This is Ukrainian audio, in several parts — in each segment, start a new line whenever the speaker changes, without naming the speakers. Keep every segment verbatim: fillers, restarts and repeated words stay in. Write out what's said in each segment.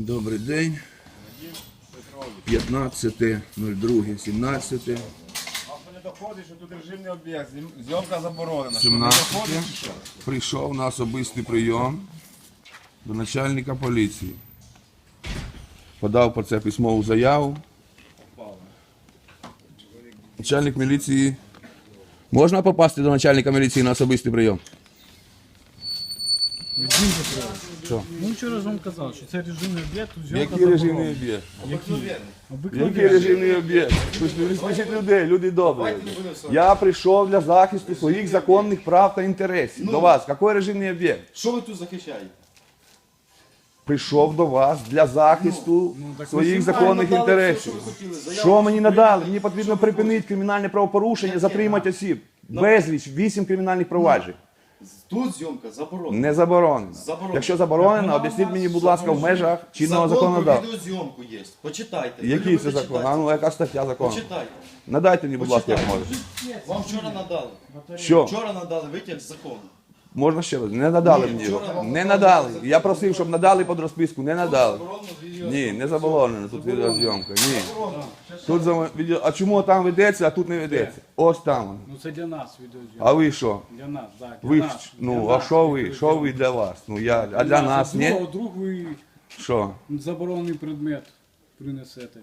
Добрий день. п'ятнадцяте друге сімнадцяте.
А не доходить, що тут режимний об'єкт, зйомка заборонена.
сімнадцяте. Прийшов на особистий прийом до начальника поліції. Подав про це письмову заяву. Начальник міліції. Можна попасти до начальника міліції на особистий прийом? Що?
Ну вчора ж вам казав, що це режимний об'єкт, тут зйомка
Який режимний
заборонена.
об'єкт?
Який?
Який
Обикновенний.
режимний об'єкт? Ви ж не смішіть людей, люди добрі. Я прийшов для захисту своїх законних прав та інтересів. До вас. Який режимний об'єкт?
Що ви тут захищаєте?
Прийшов до вас для захисту
так
своїх
ви
законних
надали все,
інтересів.
що ви хотіли. Заяву
Що мені надали?
прийняли.
Мені потрібно припинити кримінальне правопорушення, затримати осіб. Безліч, вісім кримінальних проваджень.
Тут зйомка заборонена.
Не заборонено.
Заборонено.
Якщо заборонено, об'ясніть мені, будь ласка, в межах чинного
Закон про
законодавства.
відеозйомку є. Почитайте.
Який це
любите
закон?
читати?
А ну, яка стаття закону?
Почитайте.
Надайте мені, будь ласка, як
Почитайте.
можете.
Вам вчора надали.
Що?
Вчора надали витяг з закону.
Можна ще раз? Не надали
Ні,
мені
вчора
його.
вам
Не
надали
надали.
закон.
Я просив, щоб надали під розписку. Не надали.
Заборонено відеозйомку.
Ні, не заборонено. Тут відеозйомка. Ні. Тут за відео. А чому там ведеться, а тут не ведеться? Ось там воно.
Ну це для нас відеозйомка.
А ви що?
Для нас, так. Для
Ви
нас,
ж-
для
ну, а
нас
що ви?
відеозйомка.
Що ви для вас? Ну я, а для нас
Друг-
ні?
Вдруг ви
Що?
заборонений предмет принесете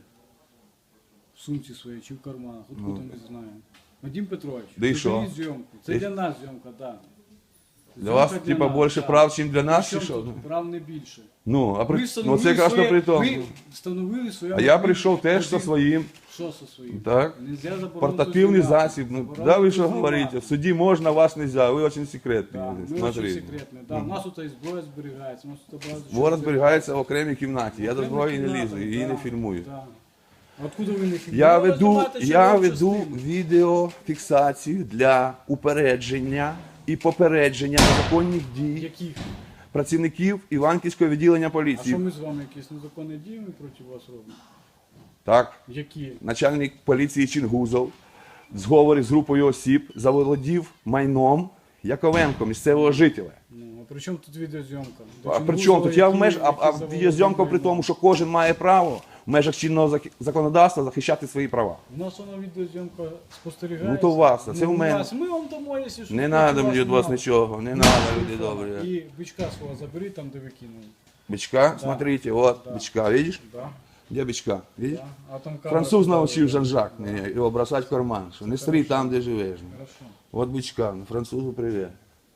в сумці своїй чи в карманах, откуда ми знаємо. Вадим Петрович,
Да і що?
припиніть зйомку. Це
І-
для нас зйомка, так.
Для вас, типа, більше прав, ніж для нас, чи що?
Прав не більше.
Ну, а при...
Ви
ну
встановили
це якраз то
своє-
при тому.
Ви встановили своє...
А я прийшов теж зі своїм.
Що зі своїм?
Так.
Нельзя заборонити
Портативний
знімати.
засіб. Ну,
Заборонити
да ви що
знімати.
говорите? В суді можна, вас нельзя. Ви дуже секретні.
Да,
люди.
ми дуже
Смотрите.
секретні. Да, у нас тут і зброя зберігається. у нас тут багато чого
Зброя зберігається в окремій кімнаті. Я до
Окремі
зброї не
кімнати,
лізу, її
да,
не фільмую.
да. Откуда ви не фільмуєте?
Я
Ну, ви
веду,
знімаєте
я
чергову
веду
частину.
відеофіксацію для упередження і попередження незаконних дій
Яких?
працівників Іванківського відділення
А
поліції.
що ми з вами якісь незаконні дії ми проти вас робимо?
Так,
Які?
начальник поліції Чингузов в зговорі з групою осіб заволодів майном Яковенко, місцевого жителя.
Ну, а при чому тут відеозйомка? До
А при
Чингузова,
чому тут я в
які-
меж, а,
які
а
заволоділи
відеозйомка при
майном?
тому, що кожен має право в межах чинного зак- законодавства захищати свої права.
У нас вона відеозйомка спостерігається.
Ну, то у вас, а це
Ну,
в
у
мене.
нас. Ми вам дамо, якщо що.
Не
проти
треба мені від вас
нема.
нічого, не треба, люди добрі.
І бичка свого заберіть там, де ви кинули.
Бичка, смотрите, вот
Да.
бичка, видишь?
Да,
Где бичка? Видишь?
да. А там камера
Француз
туди
научив
веде.
Жан-Жак мене його бросати в карман, що не стрій там, де живеш.
Хорошо.
От бичка, ну, французу привіт.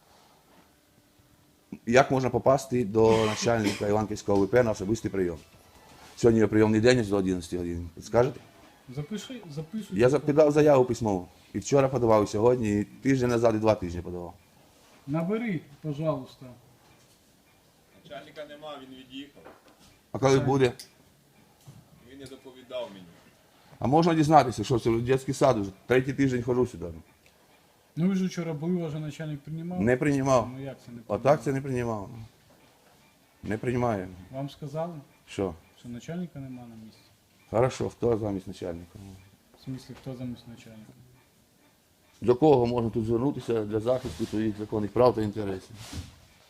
Як можна попасти до начальника Іванківського ВП на особистий прийом? Сьогодні його прийомний день до одинадцятої години. Скажете?
Запиши, записуй.
Я запитав заяву письмову. І вчора подавав, і сьогодні, і тиждень назад, і два тижні подавав.
Набери, пожалуйста.
Начальника нема, він від'їхав.
А коли буде?
Він не доповідав мені.
А можна дізнатися, що це дитячий сад вже. Третій тиждень ходжу сюди.
Ну ви ж вчора були, ваш начальник приймав?
Не приймав.
Ну як це не приймав?
Отак це не приймав. Не приймає.
Вам сказали,
Що?
що начальника нема на місці?
Хорошо, хто замість начальника?
В смислі, хто замість начальника?
До кого можна тут звернутися для захисту своїх законних прав та інтересів?